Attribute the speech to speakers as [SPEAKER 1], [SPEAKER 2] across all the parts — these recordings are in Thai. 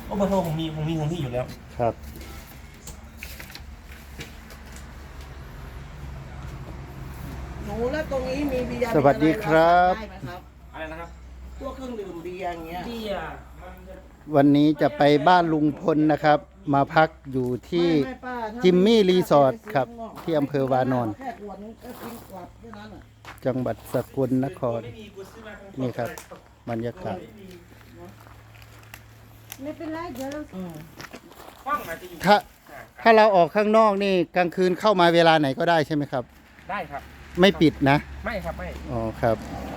[SPEAKER 1] เบอร์โทรผมมีอยู่แล้ว
[SPEAKER 2] ครับ
[SPEAKER 3] หนูแล้วตรงนี้มีเบียร์
[SPEAKER 2] สวัสดีครับ
[SPEAKER 3] ได้ไหมครับ
[SPEAKER 1] อะไรนะครับ
[SPEAKER 3] พวกเครื่องดื่มเบียร์อย่างเงี้ย
[SPEAKER 1] เบียร์
[SPEAKER 2] วันนี้จะไปบ้านลุงพลนะครับ มาพักอยู่ที่
[SPEAKER 3] ไม่ป้าถ้า
[SPEAKER 2] จิมมี่
[SPEAKER 3] ไป้า
[SPEAKER 2] รีสอร์ทครับ
[SPEAKER 3] ไปซื้
[SPEAKER 2] ที่อำเภอวานอน
[SPEAKER 3] แค่ขวดนึงก็กินกลับแค่นั้นอ่ะ
[SPEAKER 2] จังหวัดสกลนคร
[SPEAKER 1] ไม่มีกูซื้อมาของ
[SPEAKER 2] นี่ครับ บรรยากาศ
[SPEAKER 4] ไม่เป็นไรเดี๋ยวเรา
[SPEAKER 1] ห้องอาจจะอยู่
[SPEAKER 2] ถ้าเราออกข้างนอกนี่กลางคืนเข้ามาเวลาไหนก็ได้ใช่ไหมครับ
[SPEAKER 1] ได้ครับ
[SPEAKER 2] ไม่ปิดนะ
[SPEAKER 1] ไม่ครับไม่
[SPEAKER 2] อ๋อครับ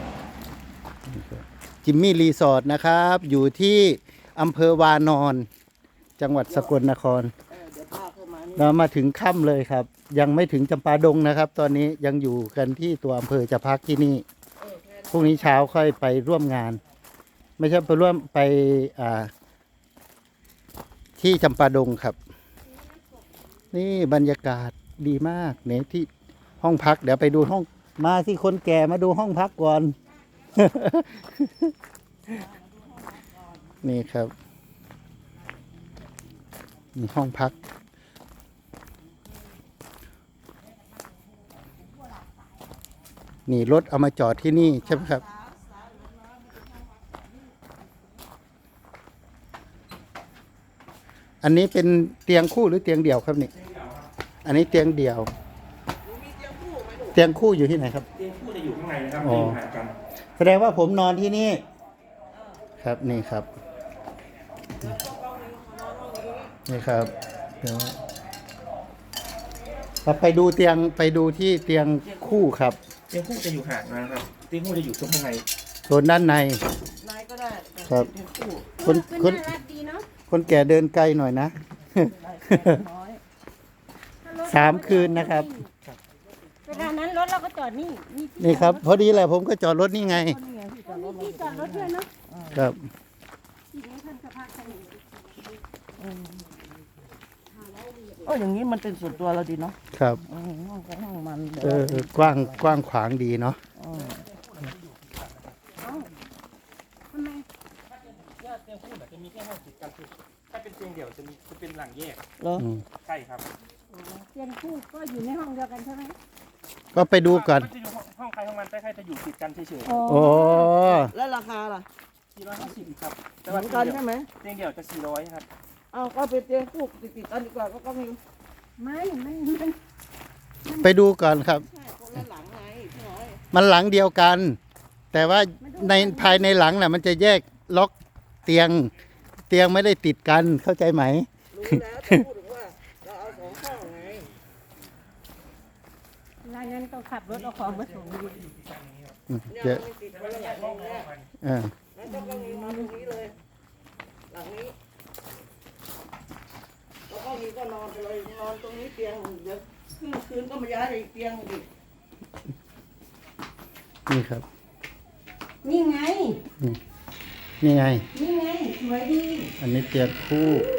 [SPEAKER 2] จิมมี่รีสอร์ทนะครับ อยู่ที่อำเภอวานอน จังหวัดสกลนคร
[SPEAKER 3] เดี๋ยวป้าเข้ามานี่
[SPEAKER 2] เรามาถึงค่ำเลยครับ ยังไม่ถึงจำปาดงนะครับ ตอนนี้ยังอยู่กันที่ตัวอำเภอจะพักที่นี่พรุ่งนี้เช้าค่อยไปร่วมงาน ไม่ใช่ไปร่วมไปที่จำปาดงครับ นี่บรรยากาศดีมากเนี่ยที่ห้องพัก เดี๋ยวไปดูห้องมาสิคนแก่มาดูห้องพักก่อน นี่ครับนี่ห้องพัก นี่รถเอามาจอดที่นี่ใช่ไหมครับ อันนี้เป็นเตียงคู่หรือเตียงเดี่ยวครับนี่ อันนี้เตียงเดี่ยว เตียงคู่อยู่ที่ไหนครับ
[SPEAKER 1] เตียงคู่จะอยู่ข้างในนะครับ
[SPEAKER 2] อ๋อ
[SPEAKER 1] จะอยู่ห่างกัน
[SPEAKER 2] แสดงว่าผมนอนที่นี่ ครับนี่ครับ นี่ครับเดี๋ยวเราไปดูเตียงไปดูที่เตียงคู่ครับ
[SPEAKER 1] เตียงคู่จะอยู่ห่างนะครับ เตียงคู่จะอยู่ตรงข้างใน
[SPEAKER 2] โซนด้านใน
[SPEAKER 3] นายก็ได้แต่
[SPEAKER 2] ครับ
[SPEAKER 3] เป็นคู่
[SPEAKER 2] คน
[SPEAKER 4] เป็น
[SPEAKER 2] คน
[SPEAKER 4] น่ารักดีเนาะ
[SPEAKER 2] คนแก่เดินไกลหน่อยนะ
[SPEAKER 3] ได้แค่น้อย
[SPEAKER 4] ถ้ารถ
[SPEAKER 2] 3 คืนนะครับ
[SPEAKER 4] เวลานั้นรถเราก็จอดนี่มีที่
[SPEAKER 2] นี่ครับ พอดีแหละผมก็จอดรถนี่ไง
[SPEAKER 3] นี่ไงที่จอดรถ
[SPEAKER 4] มีที่จอดรถด้วยเนาะ
[SPEAKER 2] ครับ
[SPEAKER 4] ที่นี้ท่านสภาพกันอยู่
[SPEAKER 3] อย่างนี้มันเป็นส่วนตัวเราดีเนาะ
[SPEAKER 2] ครับ
[SPEAKER 3] ห้องของห้องมันเดี๋ยว
[SPEAKER 2] กว้างกว้างขวางดีเนาะ
[SPEAKER 4] ทำไม
[SPEAKER 1] เตียงคู่จะมีแค่ห้องติดกันคือถ้าเป็นเตียงเดี่ยวจะเป็นหลังแยก
[SPEAKER 3] เหรอ
[SPEAKER 2] อืม
[SPEAKER 1] ใช่ครับ
[SPEAKER 4] เตียงคู่ก็อยู่ในห้องเดียวกันใช่ไหม
[SPEAKER 2] ก็ไปดูก่อน
[SPEAKER 1] มัจะอยู่ห้องใครห้องมันแต่ใครจะอยู่ติดกันเฉย
[SPEAKER 4] อ๋อ
[SPEAKER 2] โอ้
[SPEAKER 3] แล้วราคาล่ะ
[SPEAKER 1] ๆ450ครับแต่
[SPEAKER 3] เหมื
[SPEAKER 1] ว่า
[SPEAKER 3] อนกันใช่ไหม
[SPEAKER 1] เตียงเดี่ยวจะ400ครับ
[SPEAKER 3] เอาก็เป็นเตียงคู่ติดกันดีกว่าก็มี
[SPEAKER 4] ไม่
[SPEAKER 2] ไปดูก่อนครับ
[SPEAKER 3] ใช่คนละหลังไงพี่น้อย
[SPEAKER 2] มันหลังเดียวกัน แต่ว่าในภายในหลังน่ะมันจะแยกล็อกเตียงไม่ได้ติดกันเข้าใจไหม
[SPEAKER 3] รู้แล้วแต่พูดถึงว่าเราเอา2ห้องไง
[SPEAKER 4] รายนั้นต้องขับรถเอาของมาส่งดี
[SPEAKER 3] เนี่ย
[SPEAKER 2] เยอะ
[SPEAKER 3] มันติดคนละหลังห้องแรก
[SPEAKER 2] เออ
[SPEAKER 3] แล้วก็มีมาตรงนี้เลย หลังนี้แล้วก็มีก็นอนไปเลยนอนตรงนี้เตียงเดี๋ยวคืนก็มาย้ายไปอีกเตียงอีก
[SPEAKER 2] นี่ครับ
[SPEAKER 4] นี่ไง
[SPEAKER 2] นี่ไง
[SPEAKER 4] นี่ไงสวยดี
[SPEAKER 2] อันนี้เตียงคู่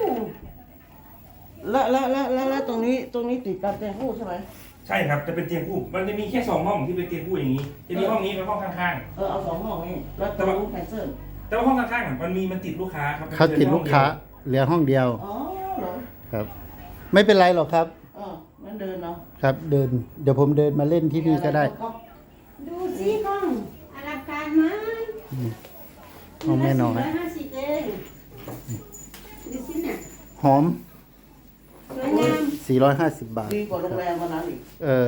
[SPEAKER 3] แล้วตรงนี้ติดกับเตียงคู่ใช่ไหม
[SPEAKER 1] ใช่ครับจะเป็นเตียงคู่มันจะมีแค่2ห้องที่เป็นเตียงคู่อย่างนี้ จะมีห้องนี้เป็นห้องข้าง
[SPEAKER 3] เอา2ห้องนี่แล้วตรงนู้นแคนเซิล
[SPEAKER 1] ๆ แต่ว่าห้องข้างๆน่ะมันติดลูกค้าครับ
[SPEAKER 2] เขาติดลูกค้าเหลือห้องเดียว
[SPEAKER 3] อ๋อเหรอ
[SPEAKER 2] ครับ ไม่เป็นไรหรอกครับ
[SPEAKER 3] งั้นเดินเนาะ
[SPEAKER 2] ครับเดี๋ยวผมเดินมาเล่นที่นี่ก็ได้
[SPEAKER 4] ดูสิห้องอลังการไหม
[SPEAKER 2] ห้องแม่น้อย
[SPEAKER 4] 450เองดูสิเนี่ย
[SPEAKER 2] หอม
[SPEAKER 4] สวยงาม
[SPEAKER 2] 450 บาท
[SPEAKER 3] ดีกว่าโรงแรมวันนั้นอีก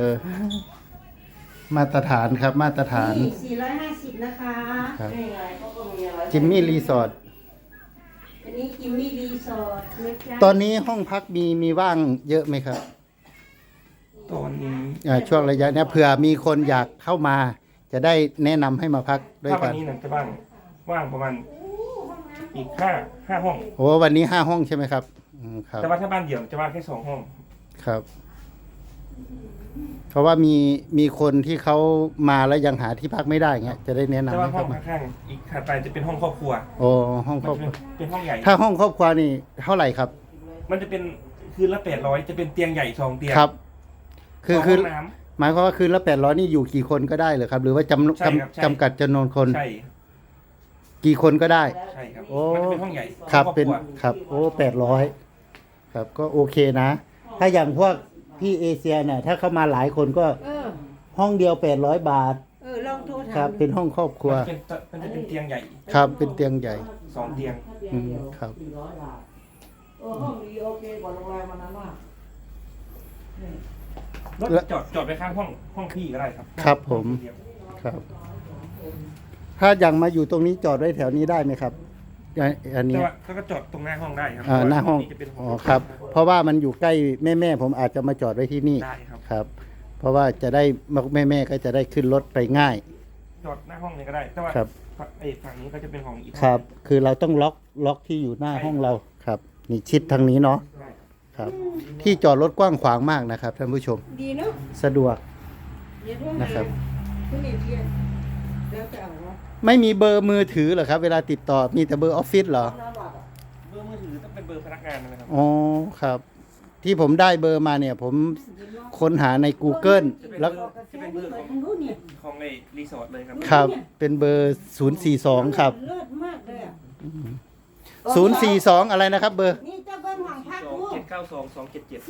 [SPEAKER 2] มาตรฐานครับมาตรฐาน
[SPEAKER 4] นี่450นะคะ
[SPEAKER 2] ครับ
[SPEAKER 3] นี่ไงเขาก็มีอะไร
[SPEAKER 2] จิมมี่รีสอร์ท
[SPEAKER 4] อันนี้จิมมี่รีสอร์ทนะจ๊ะ
[SPEAKER 2] ตอนนี้ห้องพักมีว่างเยอะไหมครับ
[SPEAKER 1] ตอนนี้
[SPEAKER 2] ช่วงระยะเนี้ยเผื่อมีคนอยากเข้ามา จะได้แนะนำให้มาพักด้วย
[SPEAKER 1] ถ้าวั
[SPEAKER 2] กัน น
[SPEAKER 1] นี้นะจะว่างประมาณอีก5ห้อง
[SPEAKER 2] โอ้วันนี้5 ห้องใช่ไหมครับครับ
[SPEAKER 1] แต่ว่าถ้าบ้านเดี่ยวจะว่างแค่2ห้อง
[SPEAKER 2] ครับ เพราะว่ามีคนที่เขามาแล้วยังหาที่พักไม่ได้เงี้ยจะได้แนะนำ
[SPEAKER 1] แต่ว่า
[SPEAKER 2] ให้
[SPEAKER 1] ห้อง
[SPEAKER 2] เข้ามา
[SPEAKER 1] ข้างๆอีกถัดไปจะเป็นห้องครอบครัว
[SPEAKER 2] โอ้ห้องคร
[SPEAKER 1] มั
[SPEAKER 2] อน บครัว
[SPEAKER 1] เป็นห้องใหญ่
[SPEAKER 2] ถ้าห้องครอบครัวนี่เท่าไหร่ครับ
[SPEAKER 1] มันจะเป็นคืนละ800จะเป็นเตียงใหญ่2เตียง
[SPEAKER 2] ครับ
[SPEAKER 1] สอง
[SPEAKER 2] คื
[SPEAKER 1] ห้
[SPEAKER 2] อ
[SPEAKER 1] องน้
[SPEAKER 2] หมายความว่าคืนละ800นี่อยู่กี่คนก็ได้เหรือครับ หรือว่า
[SPEAKER 1] ใช่ครับใช่
[SPEAKER 2] จำกัดจำนวนคน
[SPEAKER 1] ำใช่
[SPEAKER 2] กี่คนก็ได้
[SPEAKER 1] ใช่ครับ
[SPEAKER 2] โอ้
[SPEAKER 1] มันจะเป็นห้องใหญ่
[SPEAKER 2] ครับ
[SPEAKER 1] ห้อง
[SPEAKER 2] เป็น
[SPEAKER 1] ครอบครัว
[SPEAKER 2] ครับโอ้800ครับก็โอเคนะ ถ้าอย่างพวกพี่เอเชียเนี่ยถ้าเข้ามาหลายคนก็
[SPEAKER 4] เออ
[SPEAKER 2] ห้องเดียว800 บาท
[SPEAKER 4] ลองโทรถาม
[SPEAKER 2] ครับเป็นห้องครอบครัว
[SPEAKER 1] มันจะเป็นเตียงใหญ่
[SPEAKER 2] ครับเป็นเตียงใหญ่
[SPEAKER 1] 2 เตียง
[SPEAKER 2] อืมครับ
[SPEAKER 3] 400 บาทห้องดีโอเคกว่าโรงแรมมันนั้นมากนี่
[SPEAKER 1] รถจอดไปข้างห้องพี่ก็ได้ครับ
[SPEAKER 2] ครับผม
[SPEAKER 1] เดียว
[SPEAKER 2] ครับ ถ้าอย่างมาอยู่ตรงนี้จอดไว้แถวนี้ได้ไหมครับอัน
[SPEAKER 1] แต่
[SPEAKER 2] นี้
[SPEAKER 1] ว่าก็จอดตรงหน้าห้องได้ครั
[SPEAKER 2] หน้าห้อง
[SPEAKER 1] จะเป็น
[SPEAKER 2] อ๋อครับ เพราะว่ามันอยู่ใกล้แม่ผมอาจจะมาจอดไว้ที่นี่
[SPEAKER 1] ได้ครับ
[SPEAKER 2] ครับ เพราะว่าจะได้แม่ก็จะได้ขึ้นรถไปง่าย
[SPEAKER 1] จอดหน้าห้องนี้ก็ได้ แต่ว่า
[SPEAKER 2] ครับ
[SPEAKER 1] ฝั่งนี้ก็จะเป็นห้องอีก
[SPEAKER 2] ครับ คือเราต้องล็อกที่อยู่หน้าห้องเราครับนี่ชิดทางนี้เนาะ
[SPEAKER 1] ได้
[SPEAKER 2] ครับ ที่จอดรถกว้างขวางมากนะครับท่านผู้ชม
[SPEAKER 4] ดีเนาะ
[SPEAKER 2] สะดวก
[SPEAKER 4] อย่าโทรหา
[SPEAKER 2] นะครับ
[SPEAKER 4] คุณเอเชียแล้วจะเอาวะ
[SPEAKER 2] ไม่มีเบอร์มือถือเหรอครับ เวลาติดต่อมีแต่เบอร์ออฟฟิศเหรอ
[SPEAKER 3] น้ำบาทอะ
[SPEAKER 1] เบอร์มือถือต้องเป็นเบอร์พนักงานนะครับ
[SPEAKER 2] อ๋อครับ ที่ผมได้เบอร์มาเนี่ย ผมค้นหาใน Google แล้ว
[SPEAKER 1] จะเป็นเบอร์
[SPEAKER 4] เปิดทางนู้นเนี่ย
[SPEAKER 1] ของในรีสอร์ทเลยครับ
[SPEAKER 2] ครับ เป็นเบอร์ 042 ครับ
[SPEAKER 4] เลิศมากเลยอ่ะ
[SPEAKER 2] 042 อะไรนะครับ เบอร์
[SPEAKER 4] นี่เจ้าเบิ้ลของพักลูก
[SPEAKER 1] 792 277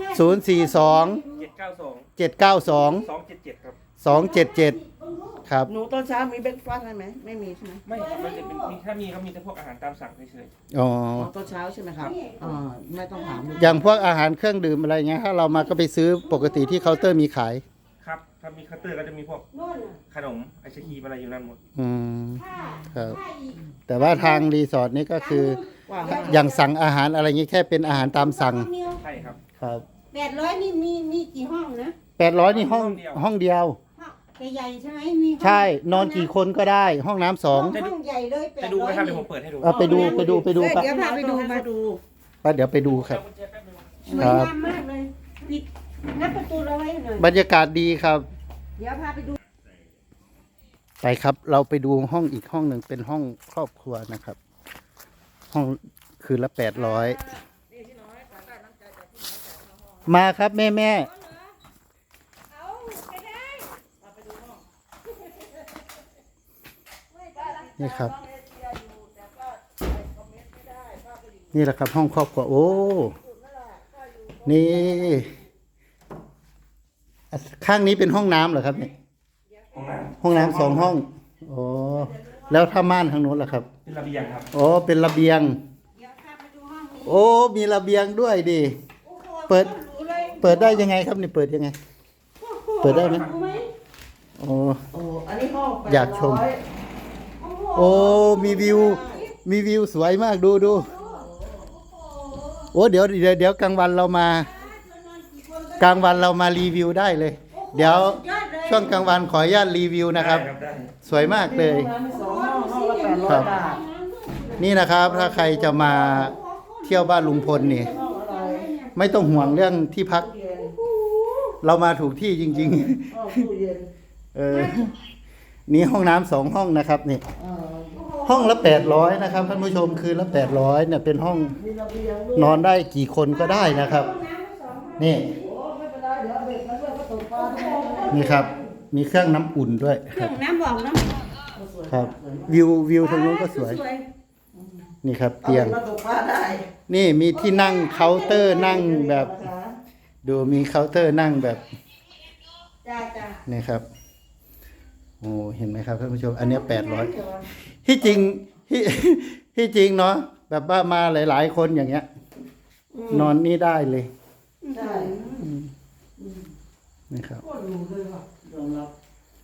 [SPEAKER 4] 450
[SPEAKER 2] 042
[SPEAKER 1] 792
[SPEAKER 2] 792
[SPEAKER 1] 277 ครับ
[SPEAKER 2] 277 ครับ
[SPEAKER 3] หนูตอนเช้ามีเบรกฟาสต์ให้ไหมไม่มีใช่ไหม
[SPEAKER 1] ไม่ครับมันจะเป็นถ้ามีก็มีแต่พวกอาหารตามสั่งเฉย
[SPEAKER 2] อ๋อ
[SPEAKER 3] ตอนเช้าใช่ไหมครับไม่ต้องถาม
[SPEAKER 2] อย่างพวกอาหารเครื่องดื่มอะไรเงี้ย ถ้าเรามาก็ไปซื้อปกติที่เคาน์เตอร์มีขาย
[SPEAKER 1] ๆครับถ้ามีคัตเตอร์ก็จะมีพวก
[SPEAKER 4] โน่นน่ะ
[SPEAKER 1] ขนมไอศครีมอะไรอยู่นั่นหมด
[SPEAKER 2] อืม
[SPEAKER 4] ถ้า
[SPEAKER 2] ครับ
[SPEAKER 4] ถ้าอีก
[SPEAKER 2] แต่ว่าทางรีสอร์ทนี่ก็คือ
[SPEAKER 3] ว่า
[SPEAKER 2] อย่างสั่งอาหารอะไรเงี้ยแค่เป็นอาหารตามสั่ง
[SPEAKER 1] ใช่ครับ
[SPEAKER 2] ครับ
[SPEAKER 4] 800นี่มีกี่ห้องนะ
[SPEAKER 2] 800นี่ห้องเดียว
[SPEAKER 4] ห้องใหญ่ใช่ไหมมีห้อง
[SPEAKER 2] ใช่ นอนกี่คนก็ได้ ห้องน้ำสอง
[SPEAKER 4] ห้องใหญ่เลย800
[SPEAKER 1] จะดูไหมครับเดี๋ยวผมเปิดให้ดู
[SPEAKER 2] เอาไปดูครับ
[SPEAKER 3] เดี๋ยวพาไปดูมาดู
[SPEAKER 2] ไปเดี๋ยวไปดูครับ
[SPEAKER 4] สวยงามมากเลยปิดงัดประตูเราไว้หน่อย
[SPEAKER 2] บรรยากาศดีครับ
[SPEAKER 4] เดี๋ยวพาไปดู
[SPEAKER 2] ไปครับ เราไปดูห้องอีกห้องหนึ่งเป็นห้องครอบครัวนะครับ ห้องคืนละ800มาครับแม่
[SPEAKER 4] เอาไปได้
[SPEAKER 2] นี่ครับ นี่แหละครับห้องครอบครัวโอ้นี่ข้างนี้เป็นห้องน้ำเหรอครับเนี่ย
[SPEAKER 1] ห้องน้ำ
[SPEAKER 2] ห้องน้ำ2 ห้องโอ้แล้วถ้าม่านทางโน้นล่ะครับ
[SPEAKER 1] เป็นระเบียงครับ
[SPEAKER 2] โอ้เป็นระเบียง
[SPEAKER 4] เดี๋ยวพาไปดูห้องนี้
[SPEAKER 2] โอ้มีระเบียงด้วยดิ
[SPEAKER 4] โอ้โห
[SPEAKER 2] เปิด
[SPEAKER 4] หรูเลย
[SPEAKER 2] เปิดได้ยังไงครับนี่เปิดยังไง เปิดได้ไหม
[SPEAKER 4] รู้ไหม
[SPEAKER 2] โอ้
[SPEAKER 3] โอ้อันนี้ห้อง
[SPEAKER 2] อยากชม
[SPEAKER 3] 800
[SPEAKER 4] โอ้โห
[SPEAKER 2] โอ้มีวิวสวยมากดูโอ้เดี๋ยวกลางวันเรามา กลางวันเรามารีวิวได้เลย เดี๋ยวช่วงกลางวันขออนุญาตรีวิวนะครับ
[SPEAKER 1] ได้
[SPEAKER 2] สวยมากเลย
[SPEAKER 3] ห้องน้ำมี2 ห้องละ800
[SPEAKER 2] ครับ
[SPEAKER 3] บาท
[SPEAKER 2] นี่นะครับ ถ้าใครจะมาเที่ยวบ้านลุงพลนี่
[SPEAKER 3] ห้องอะไร
[SPEAKER 2] ไม่ต้องห่วงเรื่องที่พัก
[SPEAKER 3] เย็น
[SPEAKER 2] เรามาถูกที่จริง
[SPEAKER 3] ห้องตู้เย็น
[SPEAKER 2] ๆ นี่ห้องน้ำ2 ห้องนะครับนี่
[SPEAKER 3] เออ
[SPEAKER 2] ห้องละ800นะครับท่านผู้ชมคืนละ800เนี่ยเป็นห้อง
[SPEAKER 3] มีระเบียงด้วย
[SPEAKER 2] นอนได้กี่คนก็ได้นะครับ นี่
[SPEAKER 3] โอ้ไม่เป็นไรเดี๋ยวเอาเด็กมาด้วยก็ตกปลาได้
[SPEAKER 2] นี่ครับ มีเครื่องน้ำอุ่นด้วย
[SPEAKER 4] เค
[SPEAKER 2] ค
[SPEAKER 4] รื่
[SPEAKER 2] รั
[SPEAKER 4] อบ งน้ำบอกน้ำ
[SPEAKER 2] ครับ วิวทางนู้นก็สวย นี่ครับ
[SPEAKER 3] เอา
[SPEAKER 2] เตียง
[SPEAKER 3] ด็กมาตกปลาได้
[SPEAKER 2] นี่มีที่นั่งเคาน์เตอร์นั่งแบบ
[SPEAKER 3] นะคะ
[SPEAKER 2] ดูมีเคาน์เตอร์นั่งแบบ
[SPEAKER 4] จ้าจ้า
[SPEAKER 2] นี่ครับ โอ้เห็นไหมครับท่านผู้ชม อันเนี้ย800ที่จริงที่ ที่จริงเนาะแบบว่ามาหลายๆคนอย่างเงี้ย นอนนี่ได้เลย
[SPEAKER 3] ใช่
[SPEAKER 2] นี่ครับ
[SPEAKER 3] ก็ดูเลยว่ะยอมรับ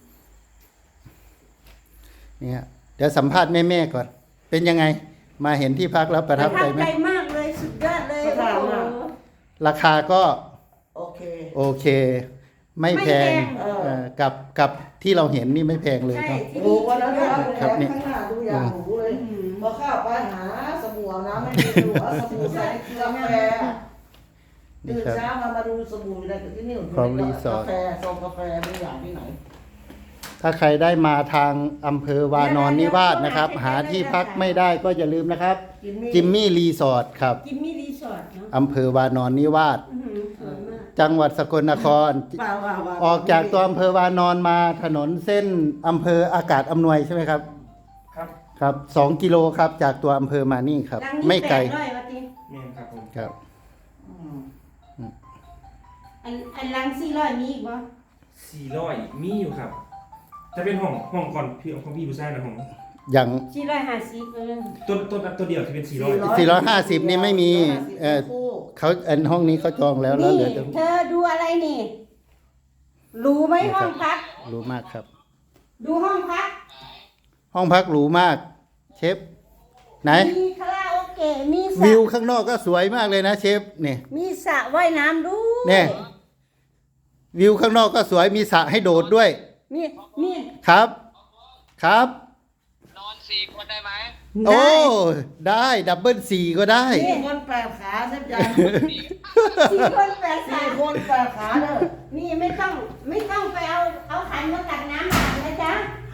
[SPEAKER 2] เนี่ยเดี๋ยวสัมภาษณ์แม่ๆก่อน เป็นยังไง มาเห็นที่พักแล้วประทับใจไหม
[SPEAKER 4] ใจมากเลยสุดยอดเลยโอ้โห
[SPEAKER 2] ราคาก็
[SPEAKER 3] โอเค
[SPEAKER 2] โอเค ไม่แพง
[SPEAKER 4] ไม่แพง
[SPEAKER 2] กับที่เราเห็นนี่ไม่แพงเลย
[SPEAKER 4] ใช่
[SPEAKER 2] เนาะ
[SPEAKER 4] ที่
[SPEAKER 3] ดู
[SPEAKER 4] นี่
[SPEAKER 3] วันนั้นนะ
[SPEAKER 2] ครับ
[SPEAKER 3] ดู
[SPEAKER 2] นี่
[SPEAKER 3] ข้างหน้าดูอย่างหนูเลยพอเข้าไปหาสบู่อาบน้ำไม่มีดูเอาสบู่ใส่กาแฟ
[SPEAKER 2] นี่
[SPEAKER 3] ตื่น
[SPEAKER 2] ครับ
[SPEAKER 3] เช้ามาดูสบู่อยู่ในที่นี่
[SPEAKER 2] ของรีสอร์ท
[SPEAKER 3] กาแฟซองกาแฟไม่อย่างที่ไหน
[SPEAKER 2] ถ้าใครได้มาทางอำเภอวานอนนิวาสนะครับ หาที่พักไม่ได้ก็อย่าลืมนะครับ จิมมี่รีสอร์ทครับ
[SPEAKER 4] จิมมี่รีสอร์ทเนาะ
[SPEAKER 2] อำเภอวานอนนิวาส
[SPEAKER 4] อื้อหือสวยมาก
[SPEAKER 2] จังหวัดสกลนคร
[SPEAKER 3] ว่า
[SPEAKER 2] ออกจากตัวอำเภอวานอนมาถนนเส้นอำเภออากาศอำนวยใช่ไหมครับ
[SPEAKER 1] ครับ
[SPEAKER 2] ครับ2 กิโลครับจากตัวอำเภอมานี่ครับ
[SPEAKER 4] หลังนี้
[SPEAKER 2] ไม่ไกล
[SPEAKER 4] 800ว่าติ
[SPEAKER 1] แม่นครับผม
[SPEAKER 2] ครับ
[SPEAKER 3] อืม
[SPEAKER 4] อันหลัง400มีอีกบ่
[SPEAKER 1] 400มีอยู่ครับ จะเป็นห้องก่อนพี่ของพี่ดูซ่านะห้อง
[SPEAKER 2] อย่าง
[SPEAKER 4] 450
[SPEAKER 1] ตัวเดียวที่เป็น400
[SPEAKER 2] 450นี่ไม่มีเขาห้องนี้เขาจองแล้วแล้ว
[SPEAKER 4] นี่
[SPEAKER 2] เหลือจะ
[SPEAKER 4] เธอดูอะไรนี่ รู้ไหมห้องพัก
[SPEAKER 2] รู้มากครับ
[SPEAKER 4] ดูห้องพัก
[SPEAKER 2] ห้องพักหรูมาก เชฟไหน
[SPEAKER 4] มีคาราโอเกะมีส
[SPEAKER 2] วิ
[SPEAKER 4] ระ
[SPEAKER 2] วข้างนอกก็สวยมากเลยนะเชฟเนี่ย
[SPEAKER 4] มีสระว่ายน้ำด้วย
[SPEAKER 2] เนี่ย วิวข้างนอกก็สวยมีสระให้โดดด้วย
[SPEAKER 4] นี่
[SPEAKER 2] ครับ ครับ
[SPEAKER 5] นอน4 คนได้ไหม
[SPEAKER 2] โอ้ได้ดับเบิล4ก็ได้
[SPEAKER 3] สี่คนแปดขาเส้นจัน
[SPEAKER 4] 4 คน8
[SPEAKER 3] สี่
[SPEAKER 4] สา
[SPEAKER 3] คนแปดขาเด้อ
[SPEAKER 4] นี่ไม่ต้องไปเอาขันมาตักน้ำอาบนะจ๊ะ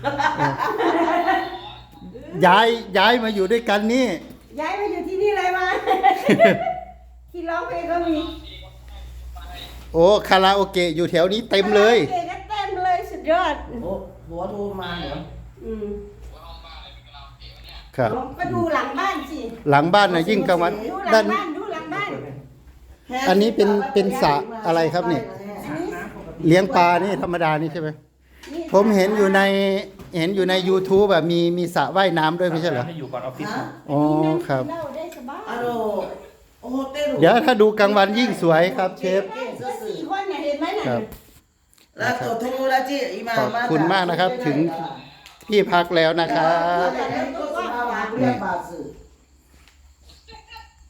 [SPEAKER 2] ย้ายมาอยู่ด้วยกันนี่
[SPEAKER 4] ย้ายมาอยู่ที่นี่เลยมา ที่ร้องเพลงก็มี
[SPEAKER 2] โอ้คาราโอเกะอยู่แถวนี้เต็มเลย
[SPEAKER 4] คาราโอเกะก็เต็มเลยสุดยอด
[SPEAKER 3] โอ้หัวโทรมาเหรอ
[SPEAKER 4] อืม
[SPEAKER 2] ครับ
[SPEAKER 4] ก็ดูหลังบ้านสิ
[SPEAKER 2] หลังบ้านนะยิ่งกลางวัน
[SPEAKER 4] ดูหลั
[SPEAKER 2] ด้าง น
[SPEAKER 4] บ้านดูหลังบ้าน
[SPEAKER 2] อันนี้เป็นสระอะไรครับเนี่ย
[SPEAKER 4] อันนี้
[SPEAKER 2] เลี้ยงปลานี่ธรรมดานี่ใช่ไหม
[SPEAKER 4] นี่
[SPEAKER 2] ผมเห็นอยู่ใน YouTube แบบมีสระว่ายน้ำด้วยไม่ใช่เหรอ
[SPEAKER 1] ให้อยู่ก่อนออฟฟิศ
[SPEAKER 3] ฮะ
[SPEAKER 2] อ๋อครับ
[SPEAKER 4] เล่าได้สบาย
[SPEAKER 3] อะโลโอ้โหเต้น
[SPEAKER 2] เดี๋ยวถ้าดูกลางวันยิ่งสวยครับเชฟ
[SPEAKER 4] ก็4 คนเนี่ยเห็นไหมน่ะ
[SPEAKER 2] ครับ
[SPEAKER 3] แล้วตัวโทรแล้วจีอีมา
[SPEAKER 2] ขอบคุณมากนะครับถึง ที่พักแล้วนะครับ
[SPEAKER 3] ก็สภาวะเรียกบาทสื่อ